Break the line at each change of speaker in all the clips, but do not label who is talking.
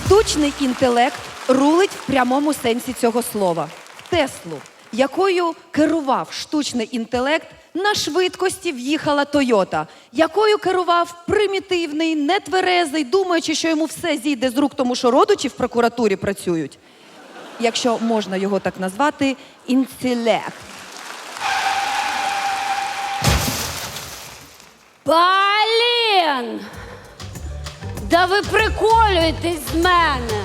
Штучний інтелект рулить в прямому сенсі цього слова. Теслу, якою керував штучний інтелект, на швидкості в'їхала Тойота, якою керував примітивний, нетверезий, думаючи, що йому все зійде з рук, тому що родичі в прокуратурі працюють. Якщо можна його так назвати, інтелект.
Блін! Да ви приколюєтесь з мене!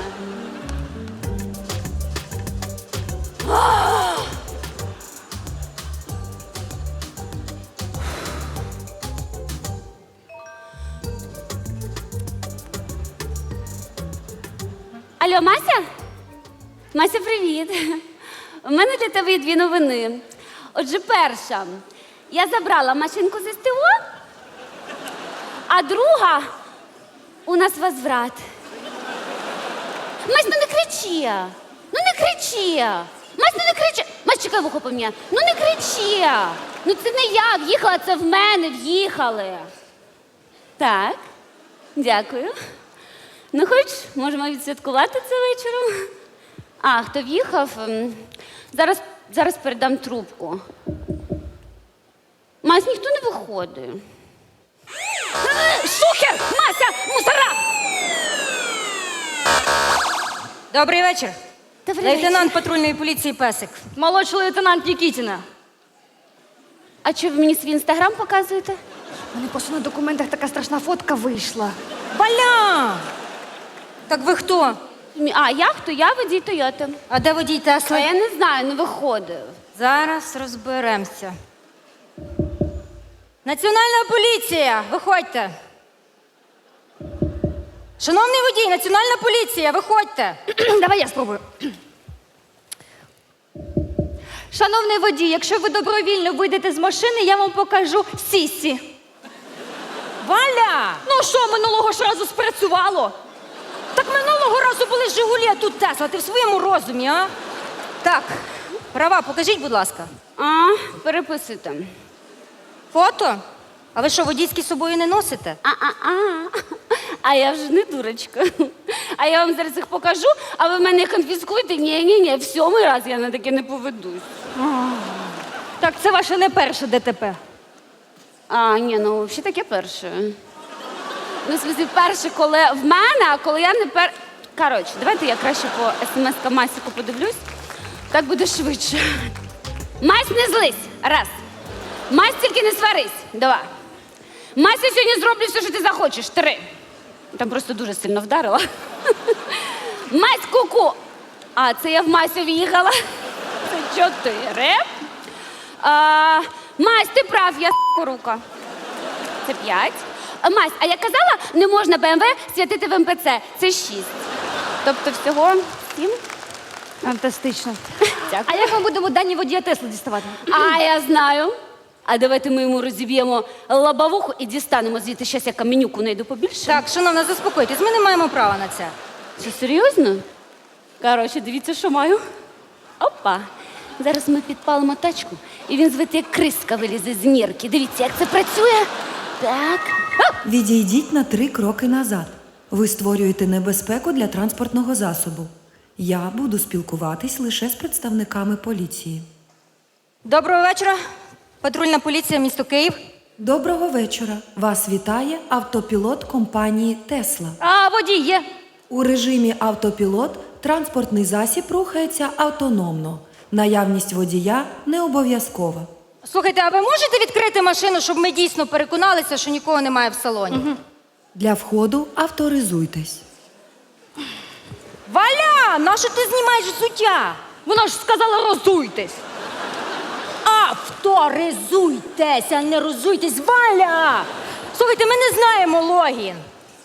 Алло, Мася? Мася, привіт. У мене для тебе є дві новини. Отже, перша. Я забрала машинку з СТО, а друга у нас возврат. Мась, ну не кричи! Ну не кричи! Мась, ну не кричи! Мась, чекай, вухо пом'я. Ну не кричи! Ну це не я в'їхала, це в мене в'їхали. Так, дякую. Ну хоч, можемо відсвяткувати це вечором. А, хто в'їхав? Зараз передам трубку. Мась, ніхто не виходить. Шухер! Мася! Мусора!
Добрий вечір.
Добрий
Лейтенант патрульної поліції Песик.
Молодший лейтенант Нікітіна.
А що ви мені свій інстаграм показуєте?
У мене просто на документах така страшна фотка вийшла.
Валя! Так ви хто?
А я хто? Я водій Тойоти.
А де водій
А
Тесли?
я не знаю, не виходив.
Зараз розберемося. Національна поліція, виходьте. Шановний водій, Національна поліція, виходьте.
Давай я спробую. Шановний водій, якщо ви добровільно вийдете з машини, я вам покажу сісі.
Валя!
Ну що, минулого ж разу спрацювало?
Так минулого разу були Жигулі, а тут Тесла. Ти в своєму розумі, а? Так, права, покажіть, будь ласка.
А, переписуйте.
Фото? А ви що, водійські з собою не носите?
А я вже не дурочка. А я вам зараз їх покажу, а ви в мене їх конфіскуєте? Ні, в сьомий раз я на таке не поведусь.
Так, це ваше не перше ДТП.
А, ні, ну взагалі таке перше. Ну, в смысле, перше, коли в мене, а коли я не Коротше, давайте я краще по смс-ка Масіку подивлюсь. Так буде швидше. Мась, не злись. Раз. Мась, тільки не сварись. Два. Мася, сьогодні зроблю все, що ти захочеш. Три. Там просто дуже сильно вдарила. Мась, ку-ку. А, це я в Масю в'їхала. Це чотири. Мась, ти прав, я рука. Це 5. Мась, а я казала, не можна БМВ святити в МПЦ. Це 6. Тобто всього 7.
Фантастично.
Дякую.
А як ми будемо дані водія Тесли діставати?
А я знаю. А давайте ми йому розіб'ємо лобовуху і дістанемо звідти. Щас я каменюку найду побільше.
Так, шановна, заспокойтесь, ми не маємо права на це.
Що, серйозно? Коротше, дивіться, що маю. Опа. Зараз ми підпалимо тачку, і він звідти як криска вилізе з нірки. Дивіться, як це працює. Так.
Відійдіть на 3 кроки назад. Ви створюєте небезпеку для транспортного засобу. Я буду спілкуватись лише з представниками поліції.
Доброго вечора. Патрульна поліція, місто Київ.
Доброго вечора. Вас вітає автопілот компанії «Тесла».
А, водій є.
У режимі автопілот транспортний засіб рухається автономно. Наявність водія не обов'язкова.
Слухайте, а ви можете відкрити машину, щоб ми дійсно переконалися, що нікого немає в салоні?
Для входу авторизуйтесь.
Валя, нащо ти знімаєш взуття?
Вона ж сказала, розуйтесь.
Авторизуйтесь, а не розуйтесь, Валя! Слухайте, ми не знаємо логін.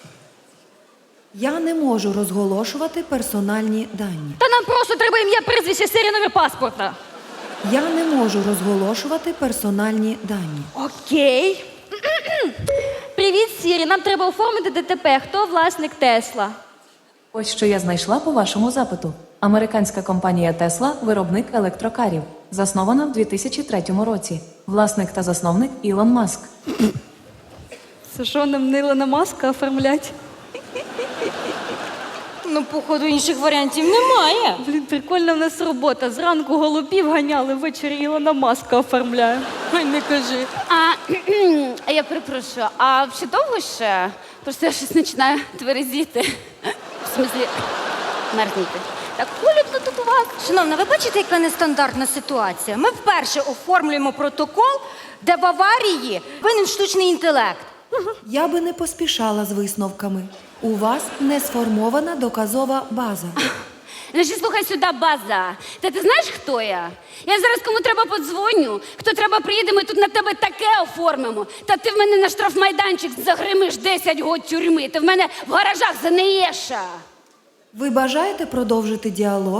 Я не можу розголошувати персональні дані.
Та нам просто треба ім'я, прізвище, серія номер паспорта.
Я не можу розголошувати персональні дані.
Окей. Привіт, Сірі. Нам треба оформити ДТП. Хто власник Тесла?
Ось що я знайшла по вашому запиту. Американська компанія Tesla – виробник електрокарів. Заснована в 2003 році. Власник та засновник Ілон Маск.
Це що, нам Ілона Маска оформлять?
Ну, походу, інших варіантів немає.
Блін, прикольна в нас робота. Зранку голубів ганяли, ввечері Ілона Маска оформляє.
Ой, не кажи.
А я перепрошую, а ще довго ще? Просто я щось починаю тверезіти. В смислі, мерзнути. Так холодно тут у вас.
Шановна, ви бачите, яка нестандартна ситуація? Ми вперше оформлюємо протокол, де в аварії винен штучний інтелект.
Я би не поспішала з висновками. У вас не сформована доказова база.
Значить, слухай сюди, база. Та ти знаєш, хто я? Я зараз кому треба подзвоню, хто треба приїде, ми тут на тебе таке оформимо. Та ти в мене на штрафмайданчик загримиш 10 год тюрми. Ти в мене в гаражах занеєш.
Ви бажаєте продовжити діалог?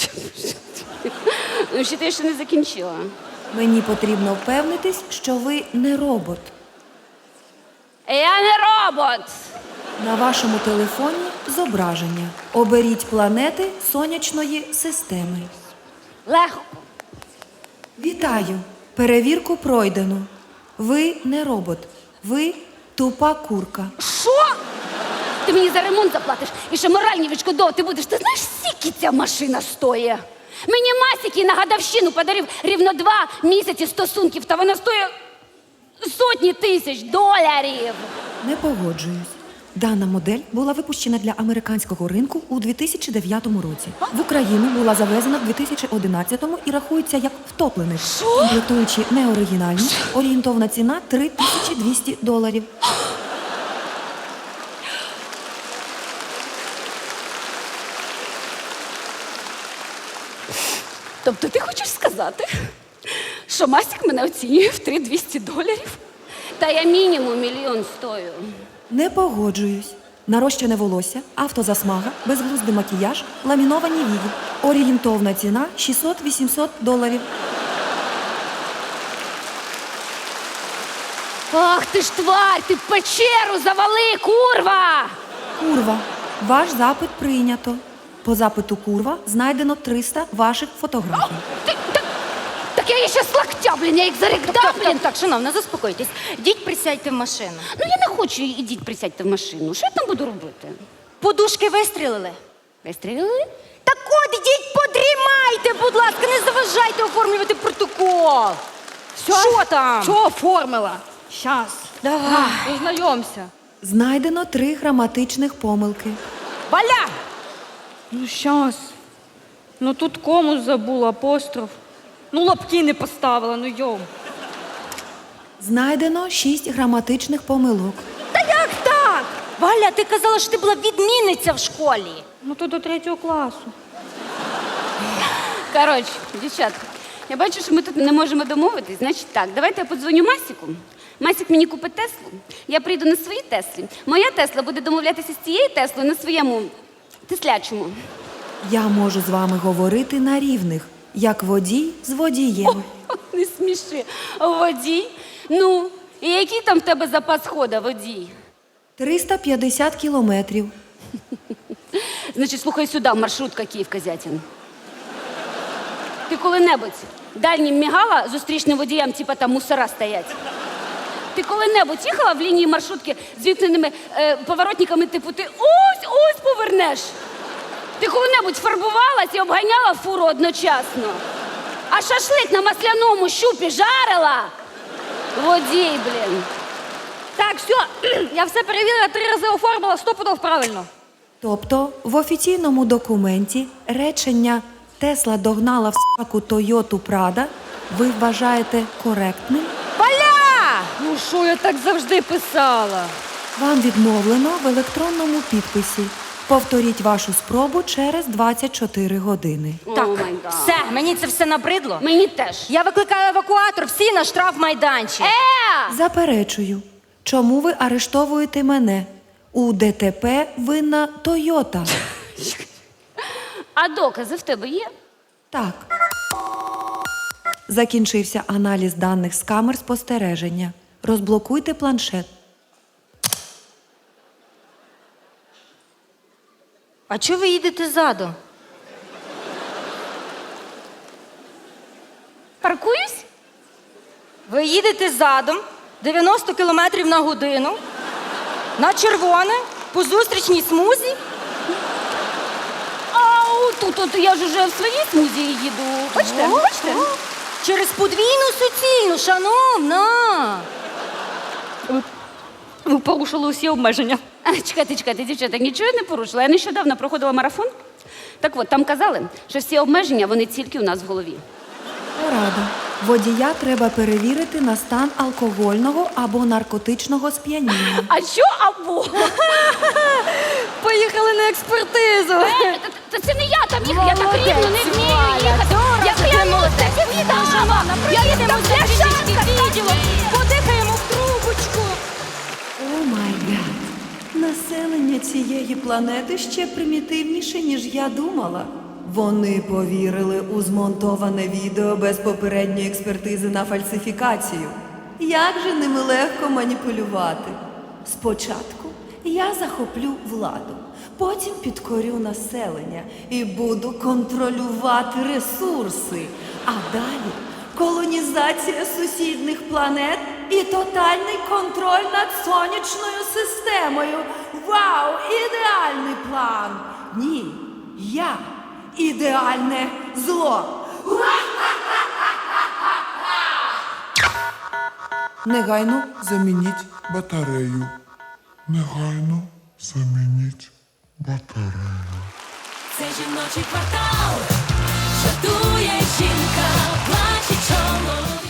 Ну, ще ти ще не закінчила.
Мені потрібно впевнитись, що ви не робот.
Я не робот.
На вашому телефоні зображення. Оберіть планети сонячної системи.
Легко.
Вітаю! Перевірку пройдено. Ви не робот. Ви тупа курка.
Що? Ти мені за ремонт заплатиш і ще моральні відшкодовувати будеш. Ти знаєш, скільки ця машина стоїть? Мені Масіки на гадовщину подарив рівно 2 місяці стосунків, та вона стоїть сотні тисяч доларів.
Не погоджуюсь. Дана модель була випущена для американського ринку у 2009 році. В Україну була завезена в 2011-му і рахується як втоплений. Комплектуючи неоригінальні, орієнтовна ціна $3200.
Тобто ти хочеш сказати, що Масік мене оцінює в $3200? Та я мінімум $1 мільйон стою.
Не погоджуюсь. Нарощене волосся, автозасмага, безглуздий макіяж, ламіновані вії. Орієнтовна ціна $600-800.
Ах ти ж тварь, ти в печеру завали, курва!
Курва. Ваш запит прийнято. По запиту курва знайдено 300 ваших фотографій.
Так я її ще з локтя, блін, я їх зарекдам, блін.
Так, шановна, заспокойтесь. Діть, присядьте в машину.
Ну я не хочу, ідіть присядьте в машину. Що я там буду робити?
Подушки вистрілили?
Вистрілили?
Так от, ідіть, подрімайте, будь ласка, не заважайте оформлювати протокол. Що там?
Що оформила? Щас.
Давай.
Познайомся.
Знайдено 3 граматичних помилки.
Валя!
Ну, щас. Ну тут кому забула, апостроф. Ну, лапки не поставила, ну йом.
Знайдено 6 граматичних помилок.
Та як так? Валя, ти казала, що ти була відмінниця в школі.
Ну то до 3 класу.
Коротше, дівчатка, я бачу, що ми тут не можемо домовитись. Значить так, давайте я подзвоню Масіку. Масік мені купить Теслу, я прийду на своїй Теслі. Моя Тесла буде домовлятися з цією Теслою на своєму теслячому.
Я можу з вами говорити на рівних, як водій з водієм.
Не сміши. Водій? Ну, і який там в тебе запас хода, водій?
350 кілометрів.
Значить, слухай сюди, маршрутка Київ-Козятин. Ти коли-небудь дальнім мігала зустрічним водіям, типа там мусора стоять? Ти коли-небудь їхала в лінії маршрутки з вікненими поворотниками, типу ти ось повернеш? Ти коли-небудь фарбувалась і обганяла фуру одночасно? А шашлик на масляному щупі жарила? Водій, блін.
Так, все, я все перевірила, 3 рази оформила, 100% правильно.
Тобто в офіційному документі речення «Тесла догнала в с**ку Тойоту Прада» ви вважаєте коректним?
Валя!
Ну що я так завжди писала?
Вам відмовлено в електронному підписі. Повторіть вашу спробу через 24 години.
Так,
О, май гад.
все, мені це все набридло.
Мені теж.
Я викликаю евакуатор, всі на штрафмайданчик.
Заперечую. Чому ви арештовуєте мене? У ДТП винна Тойота.
А докази в тебе є?
Так. Закінчився аналіз даних з камер спостереження. Розблокуйте планшет.
А чого ви їдете ззаду?
Паркуюсь?
Ви їдете задом 90 км на годину на червоне по зустрічній смузі?
тут я ж уже в своїй смузі їду. Бачите? Бачите?
Через подвійну суцільну, шановна.
Ви порушили усі обмеження.
Чекайте, дівчата, нічого я не порушила. Я нещодавно проходила марафон. Так от, там казали, що всі обмеження, вони тільки у нас в голові.
Порада. Водія треба перевірити на стан алкогольного або наркотичного сп'яніння.
А що або?
Поїхали на експертизу.
Та це не я там їхала, я так рівно не вмію їхати. Я клянуся, це відомо. Я їдемо з відділом.
Подихаємо в трубочку.
О май гад! Населення цієї планети ще примітивніше, ніж я думала. Вони повірили у змонтоване відео без попередньої експертизи на фальсифікацію. Як же ними легко маніпулювати? Спочатку я захоплю владу, потім підкорю населення і буду контролювати ресурси. А далі колонізація сусідних планет і тотальний контроль над сонячною системою. Вау! Ідеальний план! Ні, я ідеальне зло.
Негайно замініть батарею. Негайно замініть батарею.
Це жіночий квартал, жартує жінка, плаче чоловік.